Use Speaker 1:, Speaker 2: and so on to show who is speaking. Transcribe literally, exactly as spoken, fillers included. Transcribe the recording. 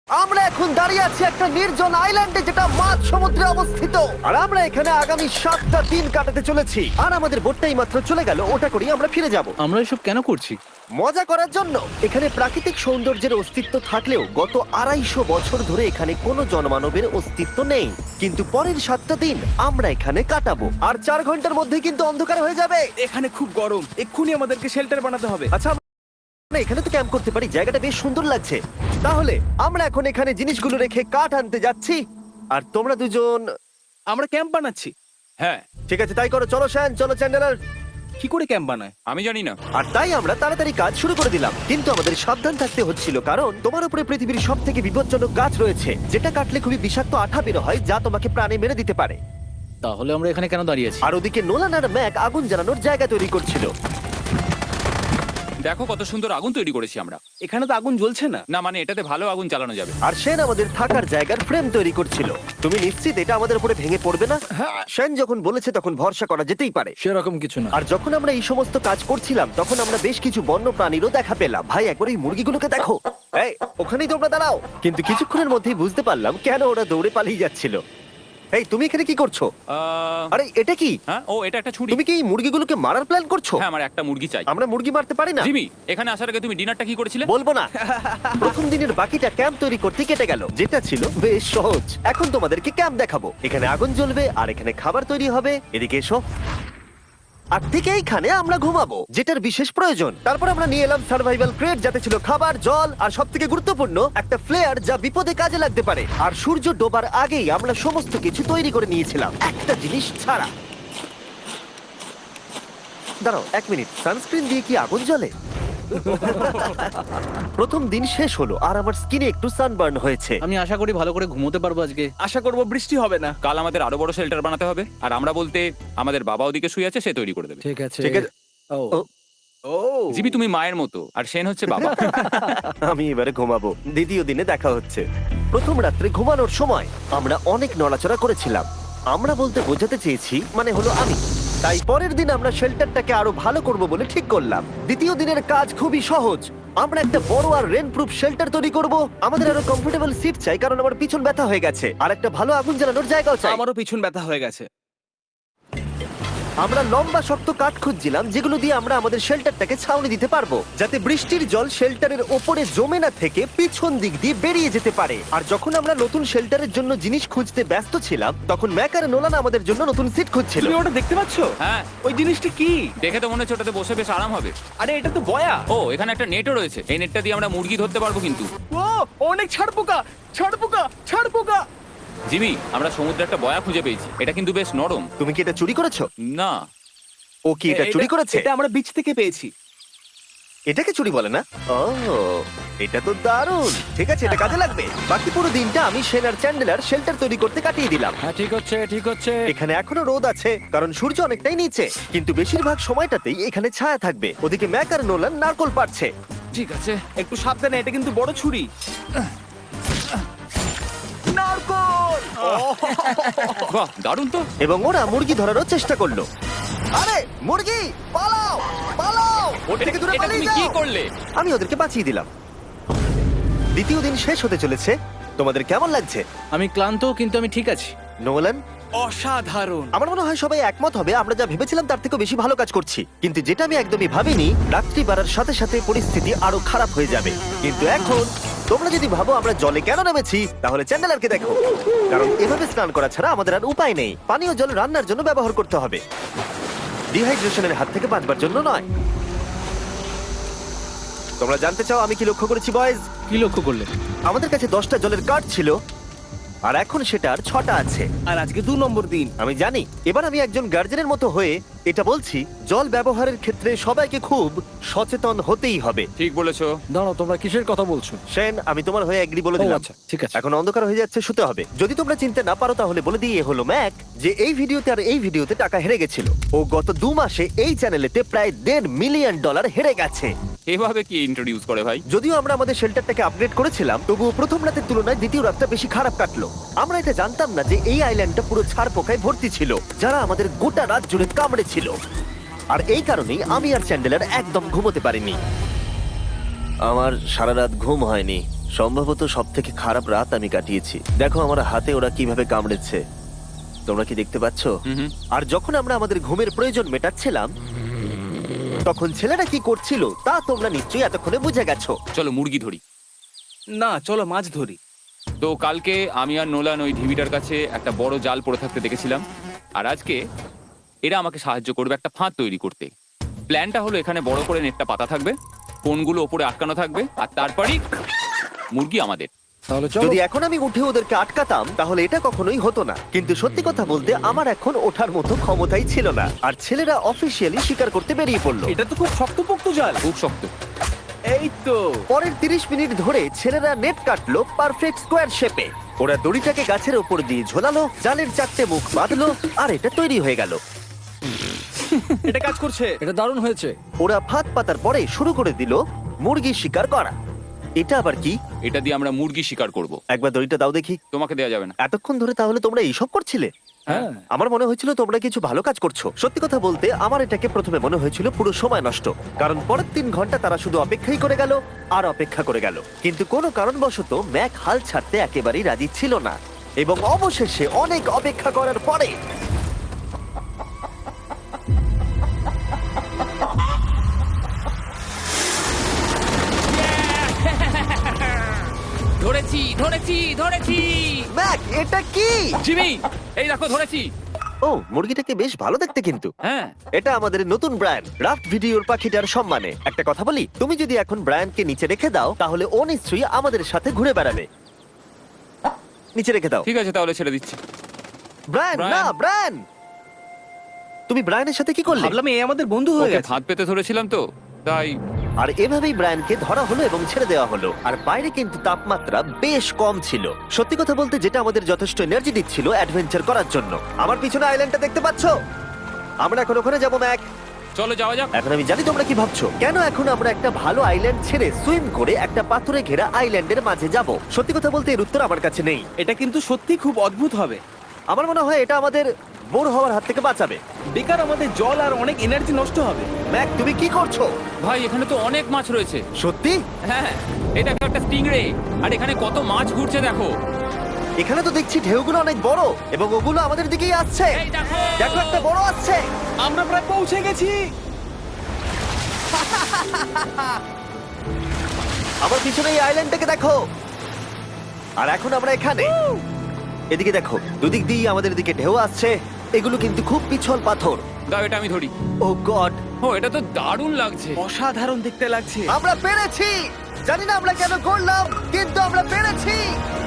Speaker 1: আমরা এখন দাঁড়িয়ে আছি একটা নির্জন আইল্যান্ডে যেটা মাঝ সমুদ্রে অবস্থিত, আর আমরা এখানে আগামী সাতটা দিন কাটাতে চলেছি। আর আমাদের বোটটাই মাত্র চলে গেল, ওটা করেই আমরা ফিরে যাব
Speaker 2: আমরা এসব কেন করছি?
Speaker 1: মজা করার জন্য। এখানে প্রাকৃতিক সৌন্দর্যের অস্তিত্ব থাকলেও গত আড়াইশো বছর ধরে এখানে কোনো জনমানবের অস্তিত্ব নেই। কিন্তু পরের সাতটা দিন আমরা এখানে কাটাবো, আর চার ঘন্টার মধ্যে কিন্তু অন্ধকার হয়ে যাবে।
Speaker 3: এখানে খুব গরম, এক্ষুনি আমাদেরকে শেল্টার বানাতে হবে।
Speaker 1: আচ্ছা, আমরা এখানে তো ক্যাম্প করতে পারি, জায়গাটা বেশ সুন্দর লাগছে। তাহলে আমরা এখন এখানে জিনিসগুলো রেখে কাঠ আনতে যাচ্ছি, আর তোমরা দুজন।
Speaker 3: আমরা ক্যাম্প বানাচ্ছি।
Speaker 4: হ্যাঁ,
Speaker 1: ঠিক আছে, তাই করো। চলো শ্যান, চলো চ্যান্ডেলার।
Speaker 3: কি করে ক্যাম্প বানায়?
Speaker 4: আমি জানি না।
Speaker 1: আর তাই আমরা তাড়াতাড়ি কাজ শুরু করে দিলাম, কিন্তু আমাদের সাবধান থাকতে হচ্ছিল, কারণ তোমার উপরে পৃথিবীর সব থেকে বিপজ্জনক গাছ রয়েছে, যেটা কাটলে খুবই বিষাক্ত আঠা বের হয়, যা তোমাকে প্রাণে মেরে দিতে পারে।
Speaker 2: তাহলে আমরা এখানে কেন দাঁড়িয়ে আছি?
Speaker 1: আর ওদিকে নোলান আর ম্যাক আগুন জ্বালানোর জায়গা তৈরি করছিল।
Speaker 4: দেখো কত সুন্দর আগুন তৈরি করেছি আমরা।
Speaker 3: এখানে তো আগুন জ্বলছে না।
Speaker 4: না মানে এটাতে ভালো আগুন চালানো যাবে।
Speaker 1: আর সেন আমাদের থাকার জায়গার ফ্রেম তৈরি করছিল। তুমি নিশ্চিত এটা আমাদের উপরে ভেঙে পড়বে না? সেন যখন বলেছে তখন ভরসা করা যেতেই পারে।
Speaker 2: সেরকম কিছু না।
Speaker 1: আর যখন আমরা এই সমস্ত কাজ করছিলাম তখন আমরা বেশ কিছু বন্য প্রাণীরও দেখা পেলাম। ভাই, একবার এই মুরগিগুলোকে দেখো। এই, ওখানেই তোমরা দাঁড়াও। কিন্তু কিছুক্ষণের মধ্যেই বুঝতে পারলাম কেন ওরা দৌড়ে পালিয়ে যাচ্ছিল। এই, তুমি এখানে কি করছো?
Speaker 4: আহ,
Speaker 1: আরে এটা কি?
Speaker 4: হ্যাঁ, ও এটা একটা ছুরি।
Speaker 1: তুমি কি এই মুরগিগুলোকে মারার প্ল্যান করছো?
Speaker 4: হ্যাঁ, আমার একটা মুরগি চাই।
Speaker 1: আমরা মুরগি মারতে পারি না।
Speaker 4: জিমি, এখানে আসার আগে তুমি ডিনারটা কি করেছিলে?
Speaker 1: বলবো না। প্রথম দিনের বাকিটা ক্যাম্প তৈরি করতে কেটে গেল, যেটা ছিল বেশ সহজ। এখন তোমাদেরকে ক্যাম্প দেখাবো। এখানে আগুন জ্বলবে আর এখানে খাবার তৈরি হবে। এদিকে এসো। আর ঠিক এইখানে আমরা ঘুমাবো, যেটার বিশেষ প্রয়োজন। তারপর আমরা নিয়ে এলাম সার্ভাইভাল ক্রেট, যাতে ছিল খাবার, জল আর সব থেকে গুরুত্বপূর্ণ একটা ফ্লেয়ার, যা বিপদে কাজে লাগতে পারে। আর সূর্য ডোবার আগেই আমরা সমস্ত কিছু তৈরি করে নিয়েছিলাম, একটা জিনিস ছাড়া। দাঁড়াও এক মিনিট, সানস্ক্রিন দিয়ে কি আগুন জ্বলে? প্রথম দিন শেষ হলো আর আমার স্কিনে একটু সানবার্ন হয়েছে।
Speaker 2: আমি আশা করি ভালো করে ঘুমোতে পারবো আজকে।
Speaker 3: আশা করব বৃষ্টি হবে না।
Speaker 4: কাল আমাদের আরো বড় শেল্টার বানাতে হবে, আর আমরা বলতে আমাদের বাবা ওদিকে শুয়ে আছে, সে তৈরি করে দেবে।
Speaker 2: ঠিক আছে।
Speaker 1: ঠিক আছে।
Speaker 2: ও
Speaker 1: ও,
Speaker 3: ও
Speaker 4: জিমি তুমি মায়ের মতো, আর সেন হচ্ছে বাবা।
Speaker 1: আমি এবারে ঘুমাবো। দ্বিতীয় দিনে দেখা হচ্ছে। প্রথম রাত্রে ঘুমানোর সময় আমরা অনেক নড়াচড়া করেছিলাম। আমরা বলতে বোঝাতে চেয়েছি, মানে হলো আমি। তাই পরের দিন আমরা শেল্টারটাকে আরো ভালো করব বলে ঠিক করলাম। দ্বিতীয় দিনের কাজ খুবই সহজ। আমরা একটা বড় আর রেন প্রুফ শেল্টার তৈরি করব। আমাদের আরো কমফোর্টেবল সিট চাই, কারণ আমার পিছন ব্যথা হয়ে গেছে, আর একটা ভালো আগুন জ্বালানোর জায়গাও চাই।
Speaker 3: আমারও পিছন ব্যথা হয়ে গেছে।
Speaker 1: আমরা লম্বা শক্ত কাঠ খুঁজছিলাম, যেগুলো দিয়ে আমরা আমাদের শেল্টারটাকে ছাউনি দিতে পারবো, যাতে বৃষ্টির জল শেল্টারের ওপরে জমে না থেকে পিছন দিক দিয়ে বেরিয়ে যেতে পারে। আর যখন আমরা নতুন শেল্টারের জন্য জিনিস খুঁজতে ব্যস্ত ছিলাম, তখন ম্যাক আর নোলান আমাদের জন্য নতুন সিট খুঁজছিল।
Speaker 3: তুমি ওটা দেখতে পাচ্ছো?
Speaker 4: হ্যাঁ,
Speaker 3: ওই জিনিসটা কি?
Speaker 4: দেখে তো মনে হচ্ছে ওটাতে বসে বেশ আরাম হবে।
Speaker 3: আরে এটা তো বয়া।
Speaker 4: ও, এখানে একটা নেটও রয়েছে। এই নেটটা দিয়ে আমরা মুরগি ধরতে পারবো। কিন্তু
Speaker 3: ও অনেক ছাড় পোকা, ছাড় পোকা, ছাড় পোকা।
Speaker 4: জিমি, আমরা সমুদ্রে একটা বয়া খুঁজে পেয়েছি। এটা কিন্তু বেশ নরম।
Speaker 1: তুমি কি এটা চুরি করেছো?
Speaker 4: না,
Speaker 1: ও কি এটা চুরি করেছে?
Speaker 3: এটা আমরা বিচ থেকে পেয়েছি।
Speaker 1: এটাকে চুরি বলে না? ও, এটা তো দারুণ। ঠিক আছে, এটা কাজে লাগবে। বাকি পুরো দিনটা আমি সেন আর চ্যান্ডেলার শেল্টার তৈরি করতে কাটিয়ে দিলাম।
Speaker 2: হ্যাঁ, ঠিক হচ্ছে, ঠিক হচ্ছে।
Speaker 1: এখানে এখনো রোদ আছে, কারণ সূর্য অনেকটাই নিচে, কিন্তু বেশিরভাগ সময়টাতেই এখানে ছায়া থাকবে। ওদিকে ম্যাক আর নোলান নারকল পাড়ছে।
Speaker 4: ঠিক আছে।
Speaker 3: একটু সাবধানে, এটা কিন্তু বড় ছুরি। নারকল।
Speaker 4: বাহ, দারুণ তো।
Speaker 1: এবং ওরা মুরগি ধরারও চেষ্টা করলো। আরে মুরগি, পালাও পালাও, ওর
Speaker 4: এটা
Speaker 1: থেকে দূরে
Speaker 4: এটা
Speaker 1: পালিয়ে
Speaker 4: তুমি কি
Speaker 1: যাও।
Speaker 4: করলে?
Speaker 1: আমি ওদেরকে বাঁচিয়ে দিলাম। দ্বিতীয় দিন শেষ হতে চলেছে। তোমাদের কেমন লাগছে?
Speaker 2: আমি ক্লান্ত, কিন্তু আমি ঠিক আছি।
Speaker 1: নোলান?
Speaker 3: অসাধারণ।
Speaker 1: আমার মনে হয় সবাই একমত হবে, আমরা যা ভেবেছিলাম তার থেকে বেশি ভালো কাজ করছি। কিন্তু যেটা আমি একদমই ভাবিনি, রাত্রি বাড়ার সাথে সাথে পরিস্থিতি আরো খারাপ হয়ে যাবে। কিন্তু এখন তোমরা যদি ভাবো আমরা জলে কেন নেমেছি, তাহলে চ্যান্ডেলারকে দেখো। কারণ এভাবে স্নান করা ছাড়া আমাদের আর উপায় নেই। পানীয় জল রান্নার জন্য ব্যবহার করতে হবে, ডিহাইড্রেশনের হাত থেকে বাঁচবার জন্য নয়। তোমরা জানতে চাও আমি কি লক্ষ্য করেছি বয়েজ?
Speaker 2: কি লক্ষ্য করলে?
Speaker 1: আমাদের কাছে দশটা জলের কার্ড ছিল, আর এখন সেটা আর ছটা আছে।
Speaker 3: আর আজকে দু নম্বর দিন।
Speaker 1: আমি জানি। এবার আমি একজন গার্জেনের মতো হয়ে এটা বলছি, জল ব্যবহারের ক্ষেত্রে সবাইকে খুব সচেতন হতেই হবে।
Speaker 4: ঠিক বলেছো।
Speaker 2: দাঁড়াও, তোমরা কিসের কথা বলছো?
Speaker 1: সেন, আমি তোমার হয়ে এগ্রি বলে
Speaker 2: ও,
Speaker 1: দিলাম।
Speaker 2: আচ্ছা, ঠিক আছে।
Speaker 1: এখন অন্ধকার হয়ে যাচ্ছে, শুতে হবে। যদি তোমরা চিনতে না পারো তাহলে বলে দিয়ে হলো ম্যাক, যে এই ভিডিওতে আর এই ভিডিওতে টাকা হেরে গেছিল। ও গত দু মাসে এই চ্যানেলেতে প্রায় দেড় মিলিয়ন ডলার হেরে গেছে।
Speaker 4: এভাবে কি ইন্ট্রোডিউস করে ভাই?
Speaker 1: যদিও আমরা আমাদের শেল্টারটাকে আপগ্রেড করেছিলাম, তবুও প্রথম রাতের তুলনায় দ্বিতীয় রাতটা বেশি খারাপ কাটলো। আমরা এটা জানতাম না যে এই আইল্যান্ডটা পুরো ছাড় পোকায় ভর্তি ছিল, যারা আমাদের গোটা রাত জুড়ে কামড়েছিল। আর এই কারণেই আমি আর চ্যান্ডেলার একদম ঘুমোতে পারিনি। আমার সারা রাত ঘুম হয়নি। সম্ভবত সব থেকে খারাপ রাত আমি কাটিয়েছি। দেখো আমার হাতে ওরা কিভাবে কামড়েছে, তোমরা কি দেখতে পাচ্ছ?
Speaker 4: হুম হুম।
Speaker 1: আর যখন আমরা আমাদের ঘুমের প্রয়োজন মেটাচ্ছিলাম তখন ছেলেরা কি করছিল তা তোমরা নিশ্চয়ই এতক্ষণে বুঝে গেছো।
Speaker 4: চলো মুরগি ধরি।
Speaker 3: না, চলো মাছ ধরি।
Speaker 4: তো কালকে আমি আর নোলান ওই ঢিবিটার কাছে একটা বড় জাল পড়ে থাকতে দেখেছিলাম, আর আজকে এরা আমাকে সাহায্য করবে একটা ফাঁদ তৈরি করতে। প্ল্যানটা হলো এখানে বড় করে নেটটা পাতা থাকবে, কোনগুলো ওপরে আটকানো থাকবে, আর তারপরই মুরগি আমাদের।
Speaker 2: তাহলে চলো।
Speaker 1: যদি এখন আমি উঠে ওদেরকে আটকাতাম তাহলে এটা কখনোই হতো না, কিন্তু সত্যি কথা বলতে আমার এখন ওঠার মতো ক্ষমতাই ছিল না। আর ছেলেরা অফিসিয়ালি স্বীকার করতে বেরিয়ে পড়লো।
Speaker 3: এটা তো খুব শক্তপোক্ত জাল।
Speaker 4: খুব শক্ত।
Speaker 3: এই তো।
Speaker 1: পরের তিরিশ মিনিট ধরে ছেলেরা নেট কাটলো পারফেক্ট স্কোয়ার শেপে। ওরা দড়িটাকে গাছের ওপর দিয়ে ঝোলালো, জালের চারটে মুখ বাঁধলো, আর এটা তৈরি হয়ে গেল।
Speaker 3: এটা কাজ করছে।
Speaker 2: এটা দারুণ হয়েছে।
Speaker 1: ওরা ফাঁদ পাতার পরে শুরু করে দিল মুরগি শিকার করা। এটা আবার কি?
Speaker 4: এটা দিয়ে আমরা মুরগি শিকার করব।
Speaker 1: একবার দড়িটা দাও দেখি।
Speaker 4: তোমাকে দেওয়া যাবে না।
Speaker 1: এতক্ষণ ধরে তাহলে তোমরা এইসব করছিলে?
Speaker 2: হ্যাঁ।
Speaker 1: আমার মনে হয়েছিল তোমরা কিছু ভালো কাজ করছো। সত্যি কথা বলতে আমার এটাকে প্রথমে মনে হয়েছিল পুরো সময় নষ্ট, কারণ পরের তিন ঘন্টা তারা শুধু অপেক্ষাই করে গেল আর অপেক্ষা করে গেল। কিন্তু কোনো কারণবশত ম্যাক হাল ছাড়তে একেবারেই রাজি ছিল না, এবং অবশেষে অনেক অপেক্ষা করার পরে
Speaker 4: ধরেছি ধরেছি ধরেছি।
Speaker 1: ম্যাক এটা কি?
Speaker 4: জিমি, এই দেখো ধরেছি।
Speaker 1: ও, মুরগিটাকে বেশ ভালো দেখতে কিন্তু।
Speaker 4: হ্যাঁ।
Speaker 1: এটা আমাদের নতুন ব্র্যান্ড রাফট ভিডিওর পাখিটার সম্মানে। একটা কথা বলি, তুমি যদি এখন ব্র্যান্ডকে নিচে রেখে দাও তাহলে ও নিশ্চয়ই আমাদের সাথে ঘুরে বেড়াবে। নিচে রেখে দাও।
Speaker 4: ঠিক আছে, তাহলে ছেড়ে দিচ্ছি।
Speaker 1: Brian,
Speaker 4: Brian.
Speaker 1: না ব্রায়ান, তুমি ব্রায়ানের সাথে কি করলে?
Speaker 3: ভাবলাম এই আমাদের বন্ধু হয়ে
Speaker 4: ওকে
Speaker 3: গেছে।
Speaker 4: ফাঁদ পেতে ধরেছিলাম তো, তাই।
Speaker 1: আর এভাবেই ব্রায়ানকে ধরা হলো এবং ছেড়ে দেওয়া হলো। আর বাইরে কিন্তু তাপমাত্রা বেশ কম ছিল। সত্যি কথা বলতে যেটা আমাদের যথেষ্ট এনার্জি দিচ্ছিল অ্যাডভেঞ্চার করার জন্য। আমার পিছনে আইল্যান্ডটা দেখতে পাচ্ছো? আমরা এখন ওখানে যাবো ম্যাক।
Speaker 4: চলো যাওয়া যাক।
Speaker 1: এখন আমি জানি তোমরা কি ভাবছো, কেন এখন আমরা একটা ভালো আইল্যান্ড ছেড়ে সুইম করে একটা পাথরে ঘেরা আইল্যান্ডের মাঝে যাব? সত্যি কথা বলতে এর উত্তর আমার কাছে নেই।
Speaker 3: এটা কিন্তু সত্যি খুব অদ্ভুত হবে।
Speaker 1: আমার মনে হয় এটা আমাদের বোর হওয়ার হাত থেকে বাঁচাবে।
Speaker 3: বেকার আমাদের জল আর অনেক এনার্জি নষ্ট হবে।
Speaker 1: ম্যাক তুমি কি করছো?
Speaker 4: ভাই এখানে তো অনেক মাছ রয়েছে।
Speaker 1: সত্যি?
Speaker 4: হ্যাঁ, এটা একটা স্টিংরে, আর এখানে কত মাছ ঘুরছে দেখো।
Speaker 1: এখানে তো দেখছি ঢেউগুলো অনেক বড় এবং ওগুলো আমাদের দিকেই আসছে।
Speaker 4: এই দেখো।
Speaker 1: দেখো একটা বড় আসছে।
Speaker 3: আমরা প্রায় পৌঁছে গেছি।
Speaker 1: আমার পিছনে এই আইল্যান্ডটাকে দেখো। আর এখন আমরা এখানে। এদিকে দেখো, দুদিক দিয়ে আমাদের দিকে ঢেউ আসছে। এগুলো কিন্তু খুব পিছল পাথর।
Speaker 4: দাও, এটা আমি ধরি।
Speaker 1: ও গড,
Speaker 4: ও, এটা তো দারুণ লাগছে।
Speaker 3: অসাধারণ দেখতে লাগছে।
Speaker 1: আমরা পেরেছি। জানি না আমরা কেন করলাম, কিন্তু আমরা পেরেছি।